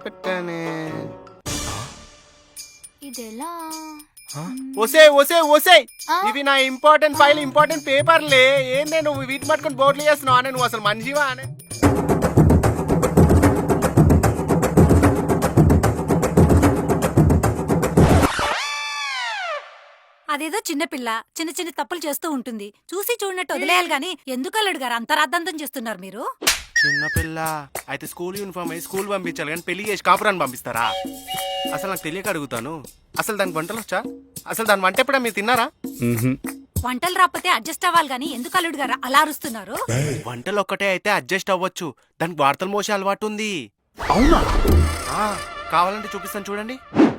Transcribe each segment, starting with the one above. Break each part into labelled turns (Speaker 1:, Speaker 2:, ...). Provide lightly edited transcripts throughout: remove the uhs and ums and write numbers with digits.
Speaker 1: పెట్టానే.
Speaker 2: ఇదెలా?
Speaker 1: ఒసే ఒసే ఒసే,
Speaker 2: ఆ?
Speaker 1: ఇవి నా ఇంపార్టెంట్ ఫైల్, ఇంపార్టెంట్ పేపర్లే. ఏందే నువ్వు వీటి పట్టుకొని బోర్డులు చేస్తున్నావు అనే? నువ్వు అసలు మనిషివా అనే?
Speaker 3: అదేదో చిన్నపిల్ల చిన్న చిన్న తప్పులు చేస్తూ ఉంటుంది, చూసి చూడనట్టు వదిలేయాలి గాని ఎందుకు అల్లుడు గారు అంత రాద్ధాంతం చేస్తున్నారు మీరు?
Speaker 1: చిన్నపిల్ల అయితే స్కూల్ యూనిఫామ్ అయ్యి స్కూల్ పంపించాలి కానీ పెళ్లి చేసి కాపురాన్ని పంపిస్తారా? అసలు నాకు తెలియక అడుగుతాను, అసలు దానికి వంటలు వచ్చా? అసలు దాని వంట ఎప్పుడా మీరు తిన్నారా?
Speaker 3: వంటలు రాకపోతే అడ్జస్ట్ అవ్వాలి గాని ఎందుకు అల్లుడు గారు అలా అరుస్తున్నారు?
Speaker 1: వంటలు ఒక్కటే అయితే అడ్జస్ట్ అవ్వచ్చు, దానికి వార్తలు మోసే అలవాటు ఉంది.
Speaker 4: అవునా?
Speaker 1: కావాలంటే చూపిస్తాను చూడండి.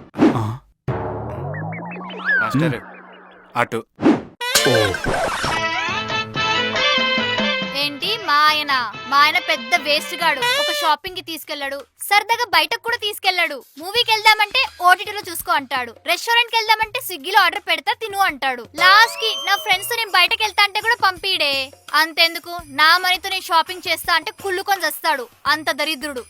Speaker 1: మాస్టర్ అటు.
Speaker 2: ఏంటి మా ఆయన పెద్ద వేస్ట్ గాడు. ఒక షాపింగ్ కి తీసుకెళ్లాడు, సరదాగా బయటకు కూడా తీసుకెళ్లాడు. మూవీకి వెళ్దామంటే ఓటీటీలో చూసుకో అంటాడు, రెస్టారెంట్ కి వెళ్దామంటే స్విగ్గీలో ఆర్డర్ పెడతా తిను అంటాడు. లాస్ట్ కి నా ఫ్రెండ్స్ తో నేను బయటకు వెళ్తా అంటే కూడా పంపిడే. అంతెందుకు, నా మనీతో నేను షాపింగ్ చేస్తా అంటే కుళ్ళుకొని వస్తాడు. అంత దరిద్రుడు.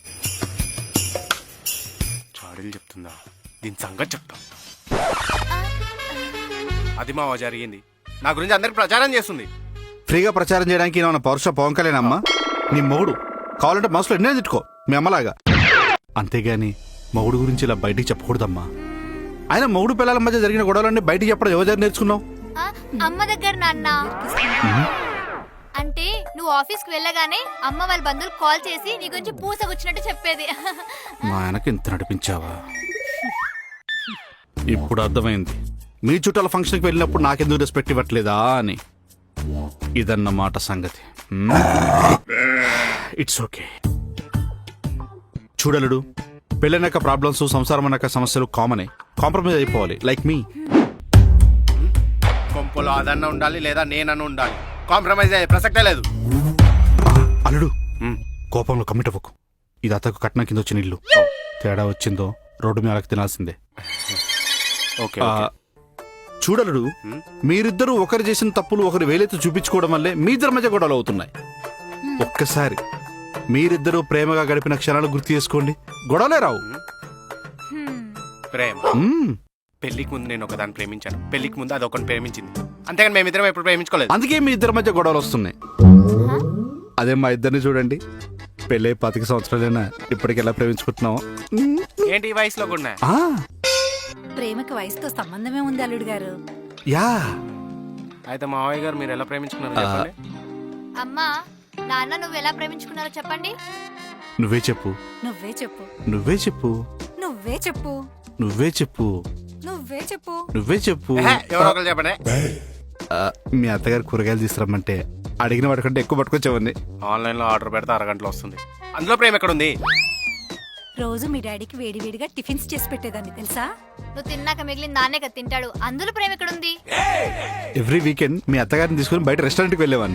Speaker 1: చాడీలు చెప్తుందా? దీని సంగతి చెప్తా. అది మావా జరిగింది, నా గురించి అందరికి ప్రచారం చేస్తుంది.
Speaker 4: ఫ్రీగా ప్రచారం చేయడానికి ఏమన్నా పౌరుష పవన్కలేనమ్మా? నీ మొగుడు కావాలంటే మనసులో ఎన్నో తిట్టుకో మీ అమ్మలాగా, అంతేగాని మొగుడు గురించి ఇలా బయటికి చెప్పకూడదమ్మా. ఆయన మొగుడు పిల్లల మధ్య జరిగిన గొడవలన్నీ బయటికి చెప్పడం ఎవరు నేర్చుకున్నావు?
Speaker 2: అమ్మ దగ్గర నాన్న. అంటే నువ్వు ఆఫీస్ కి వెళ్ళగానే అమ్మ వాళ్ళ బంధువులు కాల్ చేసి నీ గురించి పూసగుచ్చినట్టు చెప్పేది.
Speaker 4: మా ఆయనకి ఇంత నడిపించావా? ఇప్పుడు అర్థమైంది మీ చుట్టాల ఫంక్షన్కి వెళ్ళినప్పుడు నాకెందుకు రెస్పెక్ట్ ఇవ్వట్లేదా అని. ఇదన్నమాట సంగతి. It's okay. చూడలుడు, పెళ్ళైనాక ప్రాబ్లమ్స్, సంసారం అన్నాక సమస్యలు కామనే. కాంప్రమైజ్ అయిపోవాలి, లైక్ మీ.
Speaker 1: కొంపలో అదన్న ఉండాలి లేదా నేనన్న ఉండాలి, కాంప్రమైజ్ అయ్యే ప్రసక్తే లేదు.
Speaker 4: అల్లుడు, కోపంలో కమిట్ అవ్వకు. ఇది అతకు కట్నం కింద వచ్చిన ఇల్లు. తేడా వచ్చిందో రోడ్డు మీద అలకి తినాల్సిందే.
Speaker 1: ఓకే.
Speaker 4: చూడలుడు, మీరిద్దరూ ఒకరు చేసిన తప్పులు ఒకరు వేలెత్తి చూపించుకోవడం వల్లే మీ ఇద్దరి మధ్య గొడవలు అవుతున్నాయి. ఒక్కసారి మీరిద్దరూ ప్రేమగా గడిపిన క్షణాలు గుర్తు చేసుకోండి, గొడవలే రావు.
Speaker 1: ప్రేమ పెళ్లికి ముందు నేను ఒకదాన్ని ప్రేమించాను, పెళ్లికి ముందు అది ఒకరిని ప్రేమించింది, అంతేగాని మేమిద్దరం ఎప్పుడు ప్రేమించుకోలేదు.
Speaker 4: అందుకే మీ ఇద్దరి మధ్య గొడవలు వస్తున్నాయి. అదే మా ఇద్దరిని చూడండి, పెళ్ళై 25 సంవత్సరాలైనా ఇప్పటికి ఎలా ప్రేమించుకుంటున్నావు?
Speaker 1: ఏంటి ఈ వయసులో కూడా?
Speaker 3: ప్రేమకి వయసుతో సంబంధమే ఉంది అల్లుడు గారు.
Speaker 4: యా.
Speaker 1: అయితే మావయ్య గారు మీరు ఎలా ప్రేమించుకున్నారు చెప్పండి.
Speaker 2: అమ్మా నాన్న నువ్వు ఎలా ప్రేమించుకున్నారో చెప్పండి.
Speaker 4: నువ్వే చెప్పు.
Speaker 3: నువ్వే చెప్పు.
Speaker 4: నువ్వే చెప్పు.
Speaker 3: నువ్వే చెప్పు.
Speaker 4: నువ్వే చెప్పు.
Speaker 3: నువ్వే చెప్పు.
Speaker 4: నువ్వే చెప్పు.
Speaker 1: ఎవరో ఒకరు చెప్పండి.
Speaker 4: మీ అత్తగారు కూరగాయలు తీసుకురమ్మంటే అడిగిన వాటికంటే ఎక్కువ పట్టుకొచ్చావండి.
Speaker 1: ఆన్లైన్ లో ఆర్డర్ పెడితే అరగంటలో వస్తుంది, అందులో ప్రేమ ఎక్కడుంది?
Speaker 3: రోజు మీ డాడీకి వేడివేడిగా టిఫిన్స్ చేసి పెట్టేదాన్ని తెలుసా?
Speaker 2: నువ్వు తిన్నాక మిగిలిన నాన్నే కదా తింటాడు, అందులో ప్రేమ ఎక్కడుంది?
Speaker 4: ఎవ్రీ వీకెండ్ మీ అత్తగారిని తీసుకుని బయట రెస్టారెంట్కి వెళ్ళేవాడిని.